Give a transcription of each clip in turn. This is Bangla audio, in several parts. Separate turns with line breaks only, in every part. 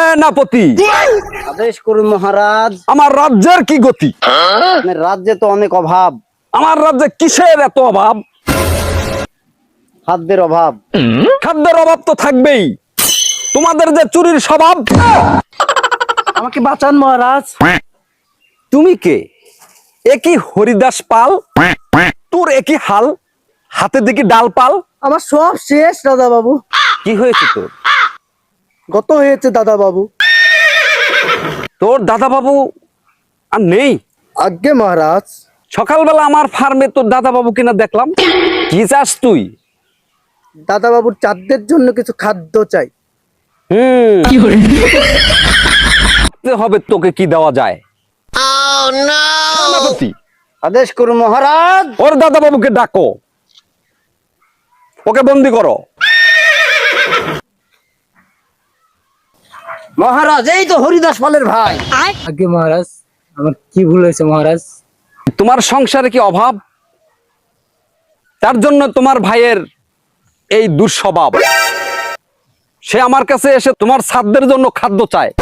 সেনাপতি,
আদেশ করুন মহারাজ।
আমার রাজ্যের কি গতি?
আপনার রাজ্যে তো অনেক অভাব।
আমার রাজ্যে কিসের এত অভাব?
খাদ্যের অভাব।
খাদ্যের অভাব তো থাকবেই। তোমাদের যে চুরির স্বভাব।
আমাকে বাঁচান মহারাজ।
তুমি কে? একই হরিদাস পাল, তোর একই হাল, হাতে দেখি ডাল পাল।
আমার সব শেষ দাদা বাবু।
কি হয়েছে তোর?
গত হয়েছে দাদা বাবু।
তোর দাদা বাবু আর নেই?
আজ্ঞে মহারাজ।
সকালবেলা আমার ফার্মে তোর দাদা বাবু কিনা দেখলাম। কি চাস তুই?
দাদা বাবুর চাঁদদের জন্য কিছু খাদ্য চাই।
হবে তোকে কি দেওয়া যায়? সেনাপতি,
আদেশ করুন মহারাজ।
ওর দাদা বাবুকে ডাকো, ওকে বন্দি করো।
মহারাজ এই তো হরিদাস পালের ভাই।
আগে মহারাজ, আমার কি ভুল হয়েছে মহারাজ?
তোমার সংসারে কি অভাব? তার জন্য তোমার ভাইয়ের এই দুঃস্বভাব। সে আমার কাছে এসে তোমার ছাদদের জন্য খাদ্য চায়।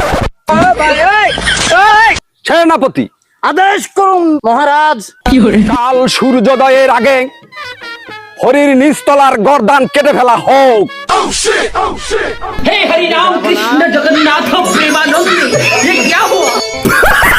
সেনাপতি,
আদেশ করুন মহারাজ।
কাল সূর্যোদয়ের আগে হরির নিচতলার গর্দান কেটে ফেলা হোক।
हे हरि राम कृष्ण जगन्नाथ प्रेमानंद, ये क्या हुआ?